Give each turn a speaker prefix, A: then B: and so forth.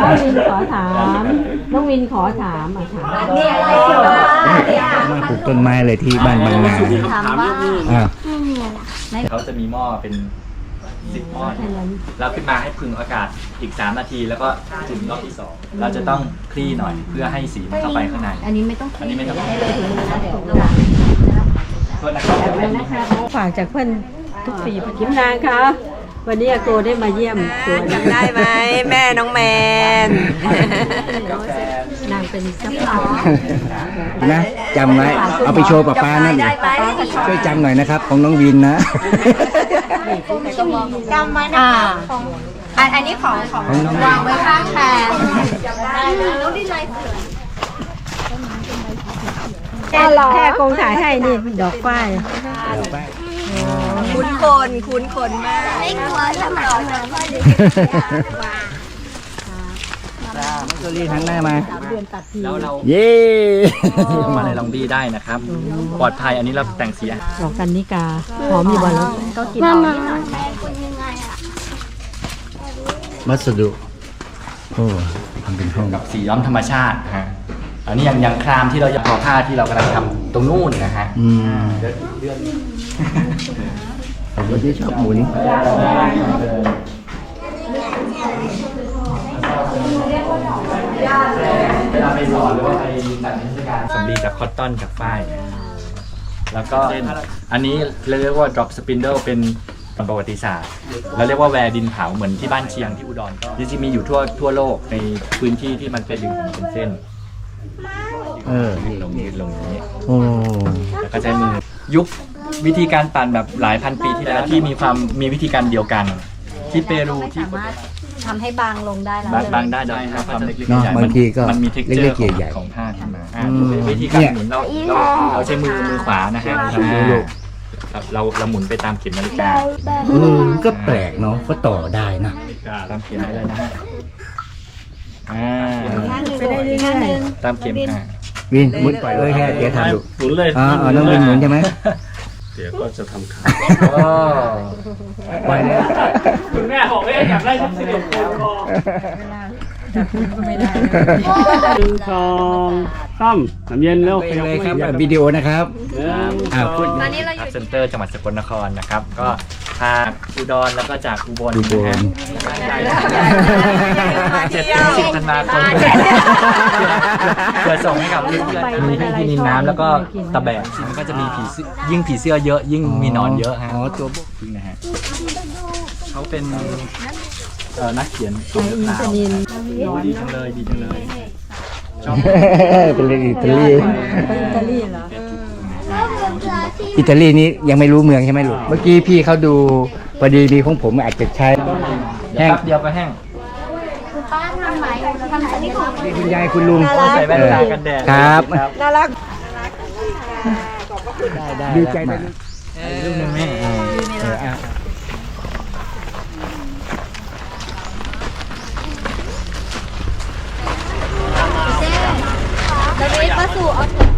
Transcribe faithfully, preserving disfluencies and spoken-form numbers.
A: น้องวินขอถามน้องวินขอถามอ่ะถาม
B: นี่อะไรเกี่ยวกับ
C: มาปลูกต้นไม้เลยที่บ้านบางนา
B: ถามว่า
C: อ่า
D: เขาจะมีหม้อเป็นสิบหม้อแล้วขึ้นมาให้พึ่งอากาศอีกสามนาทีแล้วก็จุ่มรอบที่สองเราจะต้องคลี่หน่อยเพื่อให้สีมันเข้าไปข้างใน
B: อันนี้ไม่ต้อง
D: อันนี้ไม่ต้อง
B: ให้เลยถึงมือนะเดี๋ยว
D: โทษนะครับ
A: นะคะฝากจากเพื่อนทุกปีกิมนางคะวันนี้อาโกได้มาเยี่ยมสวน
E: จำได้ไหมแม่น้องแมน
A: นางเป็นเจ้าของ
C: นะจำไว้เอาไปโชว์ป้าป้านั่นช่วยจำหน่อยนะครับ ของน้องวินนะ
B: จำไว้นะคะของอันอันนี้ของของวางไว้ข้างแทนแล้วดีใจ
A: แค่แค่กงถ่ายให้นี่ดอกฝ้าย
E: คุ้นคนคุ้นคนมาก
B: ไม่กลัวสมัยนั้น
C: มันก็รีบหันหน้ามา
D: แล้วเรา
C: เย้
D: มาในลองดีได้นะครับ ปลอดภัยอันนี้เราแต่งสี
A: ดอกกันนิกาหอมอยู่บนแล้วก็กินหอมนิดหน่อย
C: วัสดุโอ้ทำเป็นห้อง
D: กับสีย้อมธรรมชาติฮะอันนี้อย่างอย่างครามที่เราจะทอผ้าที่เรากำลังทำตรงนู่นนะฮะ
C: อืม
D: เดือนเดือน
C: ผมก็ที่ชอบหมุน
D: เวลาไปสอนหรือว่าไปจัดนิทรรศการสำลีจากคอตตอนจากฝ้ายแล้วก็อันนี้เราเรียกว่า drop spindle เป็นประวัติศาสตร์เราเรียกว่าแวร์ดินเผาเหมือนที่บ้านเชียงที่อุดรก็จริงๆมีอยู่ทั่วทั่วโลกในพื้นที่ที่มันเป็นดึงเป็นเส้น
C: เออ
D: ลงนี้ลงนี้
C: โอ้
D: แล้วก็ใช้มือยุควิธีการปั่นแบบหลายพันปีที่แล้วที่มีความมีวิธีการเดียวกัน ที่เปรูที่
B: สามารถทำให้บางลงได้แล้ว
D: บางบางได้ได้ครับความเล็กๆ
C: เนาะ
D: ใหญ่ๆ
C: บางทีก็
D: มันมีเท็กเจอ
C: เล็
D: ร์
C: กๆใหญ่
D: ของผ้าขึ้นมาอ่า
C: อืม
D: วิธีการ
C: เนี่ย
D: หมุนเราเราเราใช้มือมือขวานะฮะ
C: ทำดูลูก
D: ครับเราเราหมุนไปตามเข็มนาฬิกา
C: เออก็แปลกเนาะก็ต่อได้นะ
D: ตามเข็มได้เลยนะฮะอ่า
A: ไปได้เรื่อย
D: ตามเข็มอ่า
C: วินหมุนปล่อยเลยแค่เดี๋ยวทำดู
F: หมุนเลย
C: อ๋ออ๋อน้องวินหมุนใช่ไหม
F: เดี๋ยวก็จะทำขาย
D: โอ้
C: ปล่อยเลย
F: คุณแม่บอกว่าอยากได้ชุดสีชมพูคอ
A: ไม่ได้
F: หนึ่งสองสามน้ำเย็นเร็ว
C: ไปเลยครับวิดีโอนะครับ
F: หนึ่ง
C: อ่าพูด
B: ตอนนี้เราอ
D: ครับ
B: ยู่
D: เซ็นเตอร์จังหวัดสกลนครนะครับ ก็ทางอุดรแล้วก็จากอุบล
C: อุบล
D: เจ็ดถึงสิบธันวาคมเพื่อส่งให้กับเพื่อนๆมีทั้งที่นินน้ำแล้วก็ตะแบกมันก็จะมีผีเสื้อยิ่งผีเสื้อเยอะยิ่งมีหนอนเยอะฮะ
C: อ๋อตัวพวก
D: พึ่งนะฮะเขาเป็นเอ่อนักเขียน
A: ไออินทนิน
D: ดีจังเลยดีจังเลยชอบ
C: เป็นเรื่องอิตาลี
A: ไปอิตาลีเหรอ
C: อิตาลีนี้ยังไม่รู้เมืองใช่ไหมลูกเมื่อกี้พี่เขาดูพอดีมีของผมอาจจะใช้
D: แห้งเดียวก็แห้ง
B: คุณป้าทำไหมทำอันนี้ของ
C: นี่คุณยายคุณลุง
D: ใส่แว่นตากันแดด
C: ครับ
E: น่ารัก
C: ดีใจไหม
D: ลูกหนึ่งแม่
C: เอออ่ะ
B: เจ๊แล้วนี่ป้าสู่เอาถุง